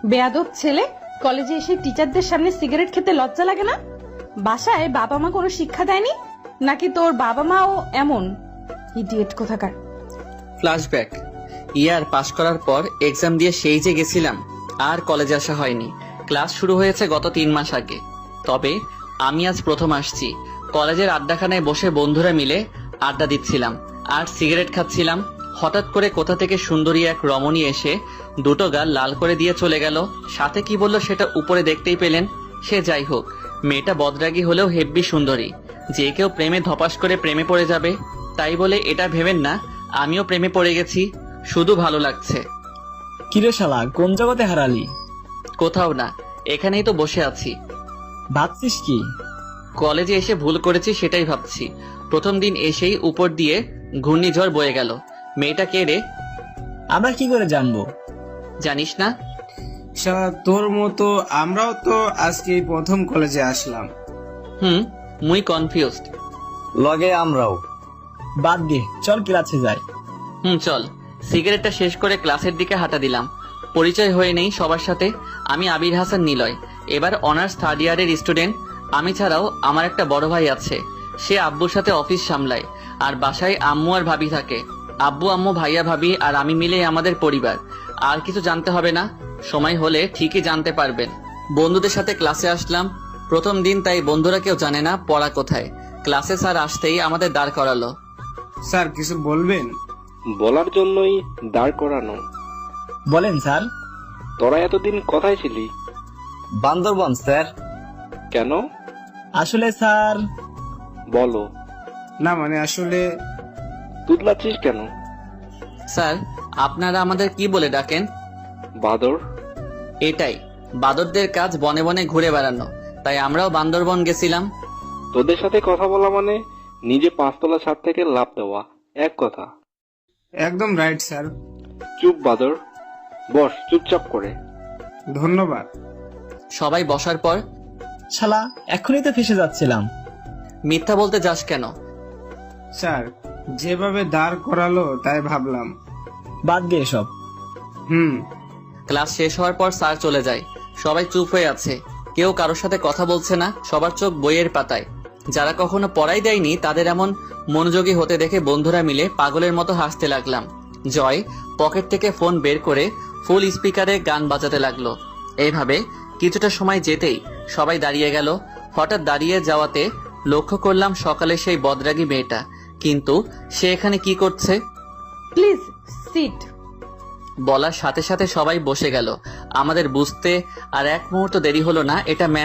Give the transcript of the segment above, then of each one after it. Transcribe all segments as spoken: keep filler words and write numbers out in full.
বেয়াদব ছেলে, কলেজে এসে টিচারদের সামনে সিগারেট খেতে লজ্জা লাগে না? বাসায় বাবা মা কোনো শিক্ষা দেয়নি নাকি তোর বাবা মাও এমন? ইডিয়েট কোথাকার। ফ্ল্যাশব্যাক। ইয়ার পাশ করার পর এক্সাম দিয়ে সেই যে গেছিলাম, আর কলেজে আসা হয়নি। ক্লাস শুরু হয়েছে গত তিন মাস আগে। তবে আমি আজ প্রথম আসছি। কলেজের আড্ডাখানায় বসে বন্ধুরা মিলে আড্ডা দিচ্ছিলাম আর সিগারেট খাচ্ছিলাম। হঠাৎ করে কোথা থেকে সুন্দরী এক রমণী এসে দুটো গাল লাল করে দিয়ে চলে গেল। সাথে কি বলল সেটা উপরে দেখতেই পেলেন। সে যাই হোক, মেয়েটা বদরাগী হলেও হেব্বি সুন্দরী। যে কেউ প্রেমে ধপাস করে প্রেমে পড়ে যাবে, তাই বলে এটা ভেবেন না আমিও প্রেমে পড়ে গেছি। শুধু ভালো লাগছে। কিরে শালা, কোন জগতে হারালি? কোথাও না, এখানেই তো বসে আছি। ভাবছিস কি? কলেজে এসে ভুল করেছি সেটাই ভাবছি। প্রথম দিন এসেই উপর দিয়ে ঘূর্ণিঝড় বয়ে গেল। মেয়েটা কে রে? আমরা কি করে জানবো? জানিস না? শালা তোর মতো আমরাও তো আজকে প্রথম কলেজে আসলাম। হুম, মুই কনফিউজড। লগে আমরাও। বাদ দে, চল ক্লাসে যাই। হুম চল। সিগারেটটা শেষ করে ক্লাসের দিকে হাঁটা দিলাম। পরিচয় হয়ে নেই সবার সাথে। আমি আবির হাসান নিলয়, এবার অনার্স থার্ড ইয়ারের স্টুডেন্ট। আমি ছাড়াও আমার একটা বড় ভাই আছে। সে আব্বুর সাথে অফিস সামলায় আর বাসায় আম্মু আর ভাবি থাকে। আব্বু আম্মু ভাইয়া ভাবি আর আমি মিলে আমাদের পরিবার। আর কিছু জানতে হবে না, সময় হলে ঠিকই জানতে পারবেন। বন্ধুদের সাথে ক্লাসে আসলাম প্রথম দিন, তাই বন্ধুরা কেউ জানে না পড়া কোথায়। ক্লাসে স্যার আসতেই আমাদের দাঁড় করালো। স্যার কিছু বলবেন? বলার জন্যই দাঁড় করানো। বলেন স্যার। তোরা এতদিন কোথায় ছিলি? বান্দরবন স্যার। কেন? আসলে স্যার। বলো। না মানে আসলে। তুতলাচ্ছিস কেন? স্যার, আপনারা আমাদের কি বলে ডাকেন? বাদর। এটাই, বাদরদের কাজ বনে বনে ঘুরে বেড়ানো, তাই আমরাও বান্দরবন গেছিলাম। তোদের সাথে কথা বলা মানে নিজে পাঁচতলা ছাদ থেকে লাফ দেওয়া, এক কথা। একদম রাইট স্যার। চুপ বাদর, বস চুপচাপ করে। ধন্যবাদ। সবাই বসার পর, শালা এখনই তো ফেসে যাচ্ছিলাম। মিথ্যা বলতে যাস কেন? স্যার যেভাবে দাঁড় করালো তাই ভাবলাম। বাদ দে এসব। হুম। ক্লাস শেষ হওয়ার পর স্যার চলে যায়। সবাই চুপ হয়ে আছে, কেউ কারোর সাথে কথা বলছে না। সবার চোখ বইয়ের পাতায়। যারা কখনো পড়াই দেয়নি তাদের এমন মনোযোগী হতে দেখে বন্ধুরা মিলে পাগলের মতো হাসতে লাগলাম। জয় পকেট থেকে ফোন বের করে ফুল স্পিকারে গান বাজাতে লাগলো। এইভাবে কিছুটা সময় যেতেই সবাই দাঁড়িয়ে গেল। হঠাৎ দাঁড়িয়ে যাওয়াতে লক্ষ্য করলাম সকালে সেই বদরাগী মেয়েটা। কিন্তু সে এখানে কি করছে? Please sit. বলার সাথে সাথে সবাই বসে গেল। আমাদের বুঝতে আর এক মুহূর্ত দেরি হলো না, এটা ম্যাম।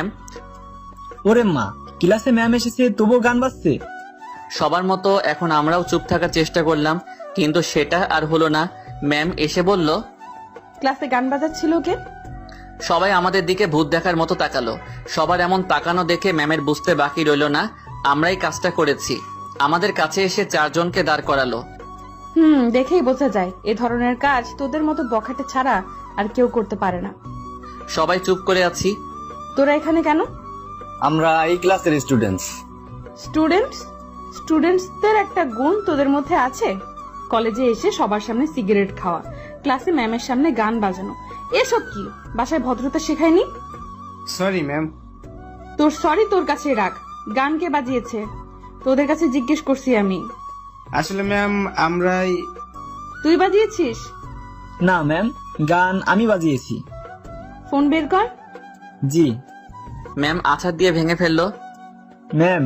ওরে মা, ক্লাসে ম্যাম এসেছে তবুও গান বাজছে। সবার মতো এখন আমরাও চুপ থাকার চেষ্টা করলাম, কিন্তু সেটা আর হলো না। ম্যাম এসে বলল, ক্লাসে গান বাজাচ্ছিল কে? সবাই আমাদের দিকে ভূত দেখার মতো তাকালো। সবার এমন তাকানো দেখে ম্যামের বুঝতে বাকি রইল না আমরাই কাজটা করেছি। আমাদের কাছে এসে চারজনকে দাঁড় করালো। হুম, দেখেই বোঝা যায় এ ধরনের কাজ তোদের মতো বখাটে ছাড়া আর কেউ করতে পারে না। সবাই চুপ করে আছি। তোরা এখানে কেন? আমরা এই ক্লাসের স্টুডেন্টস। স্টুডেন্টস? স্টুডেন্টসদের একটা গুণ তোদের মধ্যে আছে, কলেজে এসে সবার সামনে সিগারেট খাওয়া, ক্লাসে ম্যামের সামনে গান বাজানো। এসব কি বাসায় ভদ্রতা শেখায়নি? Sorry ma'am. তোর সরি তোর কাছে রাখ। গান কে বাজিয়েছে তোদের কাছে জিজ্ঞেস করছি আমি। আসলে ম্যাম আমরাই। তুই বাজিয়েছিস? না ম্যাম, গান আমি বাজিয়েছি। ফোন বের কর। জি ম্যাম আছাড় দিয়ে ভেঙে ফেললো। ম্যাম।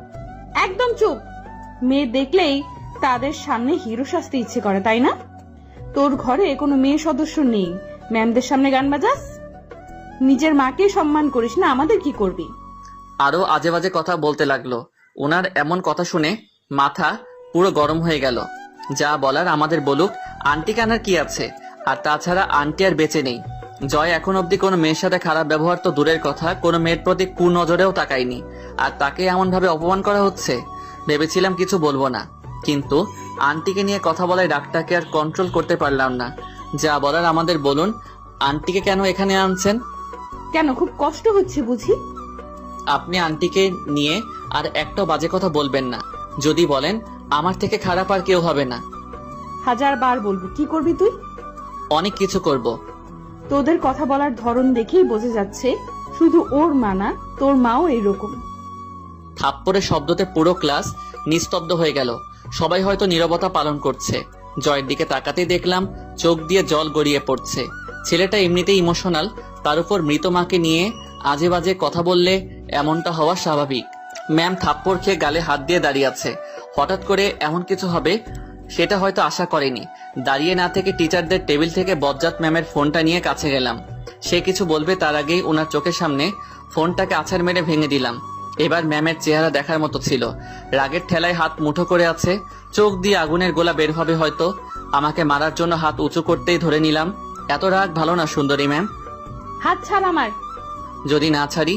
একদম চুপ। মেয়ে দেখলেই তাদের সামনে হিরো সাজতে ইচ্ছে করে, তাই না? তোর ঘরে কোনো মেয়ে সদস্য নেই, ম্যামদের সামনে গান বাজাস? নিজের মাকে সম্মান করিস না, আমাদের কি করবি? আরো আজে বাজে কথা বলতে লাগলো। ওনার এমন কথা শুনে মাথা পুরো গরম হয়ে গেল। যা বলার আমাদের বলুক, আন্টি কানার কি আছে? আর তাছাড়া আন্টি আর বেঁচে নেই। জয় এখন অব্দি কোনো মেয়ের সাথে খারাপ ব্যবহার তো দূরের কথা, কোনো মেয়ের প্রতি কুনজরেও তাকায়নি। আর তাকে এমন ভাবে অপমান করা হচ্ছে। ভেবেছিলাম কিছু বলবো না, কিন্তু আন্টিকে নিয়ে কথা বলায় রাগটাকে আর কন্ট্রোল করতে পারলাম না। যা বলার আমাদের বলুন, আন্টিকে কেন এখানে আনছেন? কেন, খুব কষ্ট হচ্ছে বুঝি? আপনি আন্টিকে নিয়ে আর একটা বাজে কথা বলবেন না। যদি বলেন আমার থেকে খারাপ আর কেউ হবে না। হাজার বার বলবো, কি করবি তুই? অনেক কিছু করব। তোদের কথা বলার ধরন দেখেই বোঝা যাচ্ছে শুধু ওর মা না, তোর মাও এইরকম। থাপ্পড়ের শব্দতে পুরো ক্লাস নিস্তব্ধ হয়ে গেল। সবাই হয়তো নীরবতা পালন করছে। জয়ের দিকে তাকাতেই দেখলাম চোখ দিয়ে জল গড়িয়ে পড়ছে। ছেলেটা এমনিতেই ইমোশনাল, তার উপর মৃত মাকে নিয়ে আজে বাজে কথা বললে এমনটা হওয়া স্বাভাবিক। ম্যাম থাপ্পড় খেয়ে গালে হাত দিয়ে দাঁড়িয়ে আছে। হঠাৎ করে এমন কিছু হবে সেটা হয়তো আশা করেনি। দাঁড়িয়ে না থেকে টিচারদের টেবিল থেকে বজ্জাত ম্যামের ফোনটা নিয়ে কাছে গেলাম। সে কিছু বলবে তার আগেই ওনার চোখের সামনে ফোনটাকে আছাড় মেরে ভেঙে দিলাম। এবার ম্যামের চেহারা দেখার মতো ছিল। রাগের ঠেলায় হাত মুঠো করে আছে, চোখ দিয়ে আগুনের গোলা বের হবে হয়তো। আমাকে মারার জন্য হাত উঁচু করতেই ধরে নিলাম। এত রাগ ভালো না সুন্দরী ম্যাম। হাত ছাড় আমার। যদি না ছাড়ি?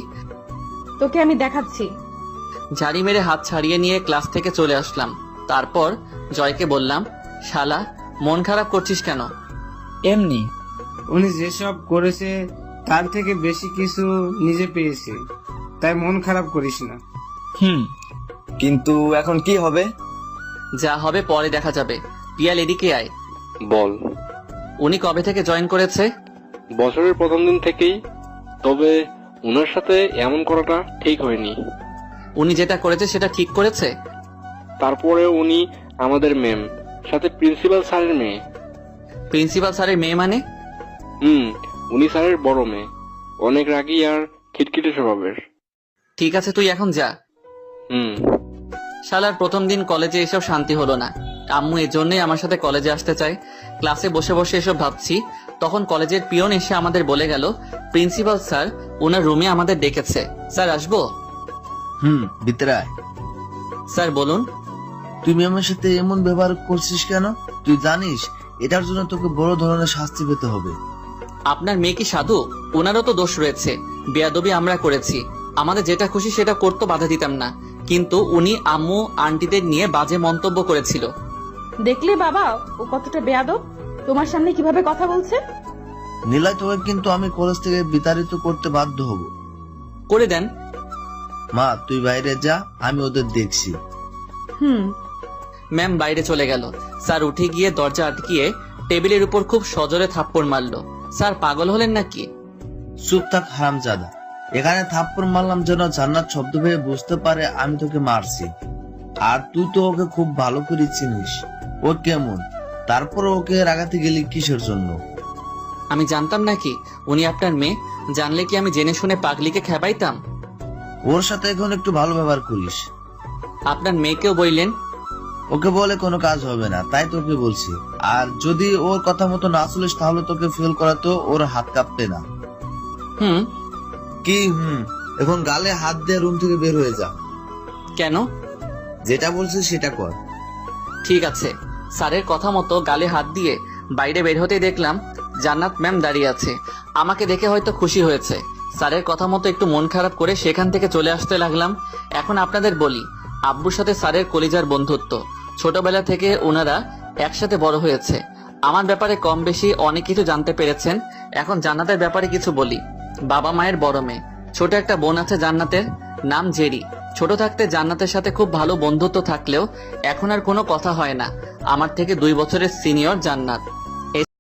তোকে আমি দেখাচ্ছি। ঝাড়ি মেরে হাত ছাড়িয়ে নিয়ে ক্লাস থেকে চলে আসলাম। তারপর জয়কে বললাম, শালা মন খারাপ করছিস কেন? এমনি। উনি যেসব করেছে তার থেকে বেশি কিছু নিজে পেয়েছে, তাই মন খারাপ করিস না। হুম। কিন্তু এখন কি হবে? যা হবে পরে দেখা যাবে। পিয়াল এদিকে আয়। বল। উনি কবে থেকে জয়েন করেছে? বছরের প্রথম দিন থেকেই, তবে ওনার সাথে এমন করাটা ঠিক হয়নি। উনি যেটা করেছে সেটা ঠিক করেছে? তারপরে উনি আমাদের ম্যাম, সাথে প্রিন্সিপাল স্যারের মেয়ে। প্রিন্সিপাল স্যারের মেয়ে মানে? হুম, উনি স্যারের বড় মেয়ে, অনেক রাগী আর খিটখিটে স্বভাবের। ঠিক আছে, তুই এখন যা। হুম। শালার প্রথম দিন কলেজে এসব শান্তি হলো না। আম্মু এর জন্যই আমার সাথে কলেজে আসতে চায়। ক্লাসে বসে বসে এসব ভাবছি, তখন কলেজের পিয়ন এসে আমাদের বলে গেল প্রিন্সিপাল স্যার ওনার রুমে আমাদের ডেকেছে। স্যার আসবো? হুম, ভিতরে আয়। স্যার বলুন। তুমি আমার সাথে এমন ব্যবহার করছিস কেন? তুই জানিস এটার জন্য তোকে বড় ধরনের শাস্তি পেতে হবে। আপনার মেয়ে কি সাধু? ওনারও তো দোষ রয়েছে। বেয়াদবি আমরা করেছি, আমাদের যেটা খুশি সেটা করতে বাধা দিতাম না, কিন্তু উনি আম্মু আন্টিদের নিয়ে বাজে মন্তব্য করেছিল। দেখলে বাবা ও কতটা বেয়াদব, তোমার সামনে কিভাবে কথা বলছে। নীলা, তোকে কিন্তু আমি কলেজ থেকে বিতাড়িত করতে বাধ্য হব। করে দেন। মা, তুই বাইরে যা, আমি ওদের দেখছি। হুম। ম্যাম বাইরে চলে গেল। স্যার উঠে গিয়ে দরজা আটকিয়ে টেবিলের উপর খুব সজোরে থাপ্পড় মারলো। স্যার পাগল হলেন নাকি? চুপ থাক হারামজাদা। এখানে থাপ্পড় মারলাম যেন জান্নাত শব্দ পেয়ে বুঝতে পারে আমি তোকে মারছি। আর তুই তো ওকে খুব ভালো করে চিনিস, ও কেমন। তারপর ওকে রাগাতে গেলি কিসের জন্য? আমি জানতাম নাকি উনি আপনার মেয়ে? জানলে কি আমি জেনে শুনে পাগলিকে খেপাইতাম? ওর সাথে এখন একটু ভালো ব্যবহার করিস। আপনার মেয়েকেও বললেন? ওকে বলে কোনো কাজ হবে না, তাই তোকে বলছি। আর যদি ওর কথা মতো না চলিস তাহলে তোকে ফেল করাতো ওর হাত কাঁপতে না। হুম। কি হুম? এখন গালে হাত দিয়ে রুম থেকে বের হয়ে যা। কেন? যেটা বলছিস সেটা কর। ঠিক আছে। স্যারের কথা মতো গালে হাত দিয়ে বাইরে বের হতেই দেখলাম জান্নাত ম্যাম দাঁড়িয়ে আছে। আমাকে দেখে হয়তো খুশি হয়েছে। স্যারের কথা মতো একটু মন খারাপ করে সেখান থেকে চলে আসতে লাগলাম। এখন আপনাদের বলি, আব্বুর সাথে স্যারের কলিজার বন্ধুত্ব। ছোটবেলা থেকে ওনারা একসাথে বড় হয়েছে। আমার ব্যাপারে কম বেশি অনেক কিছু জানতে পেরেছেন। এখন জান্নাতের ব্যাপারে কিছু বলি। বাবা মায়ের বড় মেয়ে, ছোট একটা বোন আছে জান্নাতের, নাম জেরি। ছোট থাকতে জান্নাতের সাথে খুব ভালো বন্ধুত্ব থাকলেও এখন আর কোনো কথা হয় না। আমার থেকে দুই বছরের সিনিয়র জান্নাত।